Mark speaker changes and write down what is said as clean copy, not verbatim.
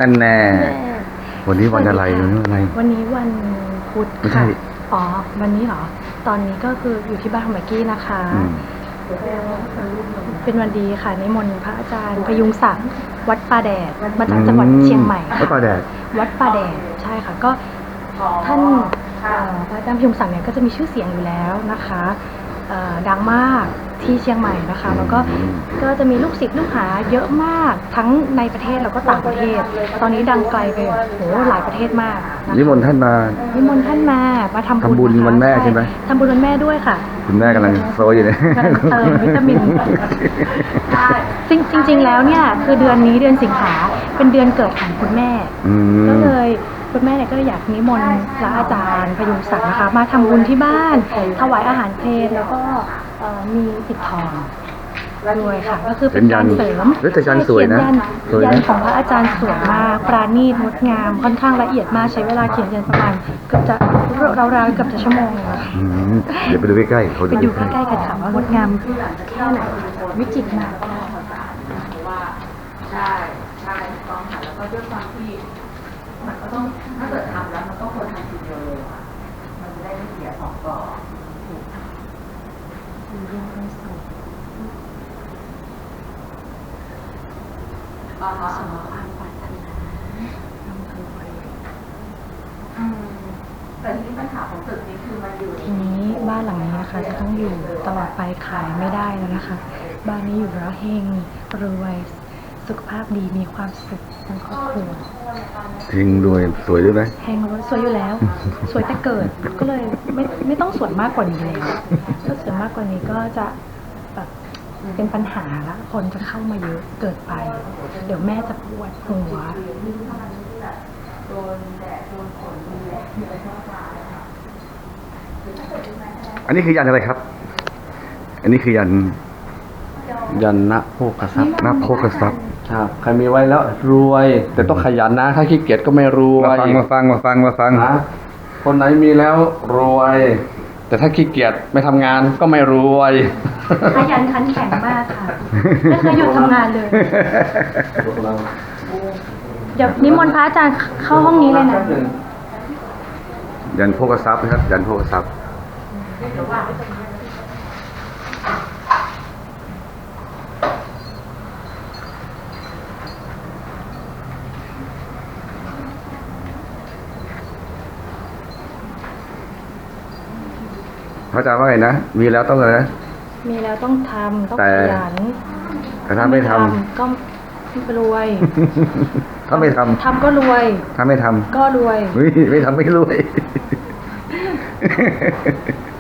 Speaker 1: นั่นแน่วันนี้วันอะไรวันนี้อะไร
Speaker 2: วันนี้วันพุธค่ะอ๋อวันนี้เหรอตอนนี้ก็คืออยู่ที่บ้านของแม็กกี้นะคะเป็นวันดีค่ะนิมนต์พระอาจารย์พยุงศักดิ์วัดป่าแดดมาจากจังหวัดเชียงใหม่ค่ะ
Speaker 1: วัดป่าแดด
Speaker 2: ใช่ค่ะก็ท่านพระอาจารย์พยุงศักดิ์เนี่ยก็จะมีชื่อเสียงอยู่แล้วนะคะดังมากที่เชียงใหม่นะคะแล้วก็จะมีลูกศิษย์ลูกหาเยอะมากทั้งในประเทศแล้วก็ต่างประเทศตอนนี้ดังไกลไปโหหลายประเทศมาก
Speaker 1: นิมนต์ท่านมา
Speaker 2: ทำบุญ
Speaker 1: วันแม่ใช่ไหม
Speaker 2: ทำบุญวันแม่ด้วยค่ะ
Speaker 1: คุณแม่กำลังโซอยู่เนี่ย
Speaker 2: กำลังเติมวิตามินจริงแล้วเนี่ยคือเดือนนี้เดือนสิงหาเป็นเดือนเกิดของคุณแม่ก็เลยคุณแม่เนี่ยก็อยากนิมนต์พระอาจารย์พยุงศักดิ์นะคะมาทำบุญที่บ้านถวายอาหารเพลแล้วก็มีปิดทองด้วยค่ะก็คือเป็นการเสริม
Speaker 1: ยันสวยนะ
Speaker 2: ยันของพระอาจารย์สวยมากปราณีตงดงามค่อนข้างละเอียดมากใช้เวลาเขียนยันประมาณเกือบจะราวๆเกือบจะชั่วโมงเลยค่ะ
Speaker 1: เดี๋ยวไปดูใกล้ๆ
Speaker 2: ไปดูใกล้ๆกันค่ะว่างดงามแค่ไหนวิจิตรมาก
Speaker 3: ใช่ต้องค่ะแล้วก็ด้วยความที่มันก็ต้องถ้าเกิดทำแล้วมันก็ควรทำทีเดียวเลยค่ะมันจะได้ไม่เสียสองต่อ
Speaker 2: สมความปรารถนา
Speaker 3: แต่ทีนี้ปัญหาของตึกนี้คือมันอยู่
Speaker 2: ทีนี้บ้านหลังนี้นะคะจะต้องอยู่ตลอดไปขายไม่ได้แล้วนะคะบ้านนี้อยู่แล้วเฮงรวยสุขภาพดีมีความสุขทั้งครอบครัว
Speaker 1: เฮงรวยสวยด้วยไหม
Speaker 2: เฮงรวยสวยอยู่แล้วสวยแต่เกิดก็เลยไม่ต้องสวยมากกว่านี้แล้วถ้าสวยมากกว่านี้ก็จะแบบเป็นปัญหาละคนจะเข้ามาเยอะเกิดไปเดี๋ยวแม่จะปวดหัว
Speaker 1: อันนี้คือยันอะไรครับอันนี้คือยัน
Speaker 4: ณโภคทรัพย์
Speaker 1: ณโภคทรัพย์
Speaker 4: ครับใครมีไว้แล้วรวยแต่ต้องขยันนะถ้าขี้เกียจก็ไม่รวย
Speaker 1: มาฟัง
Speaker 4: นะคนไหนมีแล้วรวยแต่ถ้าขี้เกียจไม่ทำงานก็ไม่รวย
Speaker 2: ขยันขันแข็งมากค่ะไม่เคยหยุดทำงานเลยเดี๋ยวนิมนต์พระอาจารย์เข้าห้องนี้เลยนะ
Speaker 1: ยันโภคทรัพย์ครับยันโภคทรัพย์พระอาจารย์ว่าไงนะมีแล้วต้องอะไรนะ
Speaker 2: มีแล้วต้องทำต้องขยัน
Speaker 1: แต่ถ้าไม่ทำ
Speaker 2: ก็รวย
Speaker 1: ถ้าไม่ท
Speaker 2: ำก็รวย
Speaker 1: ถ้าไม่ทำ
Speaker 2: ก็รวย
Speaker 1: ไม่ทำไม่รวย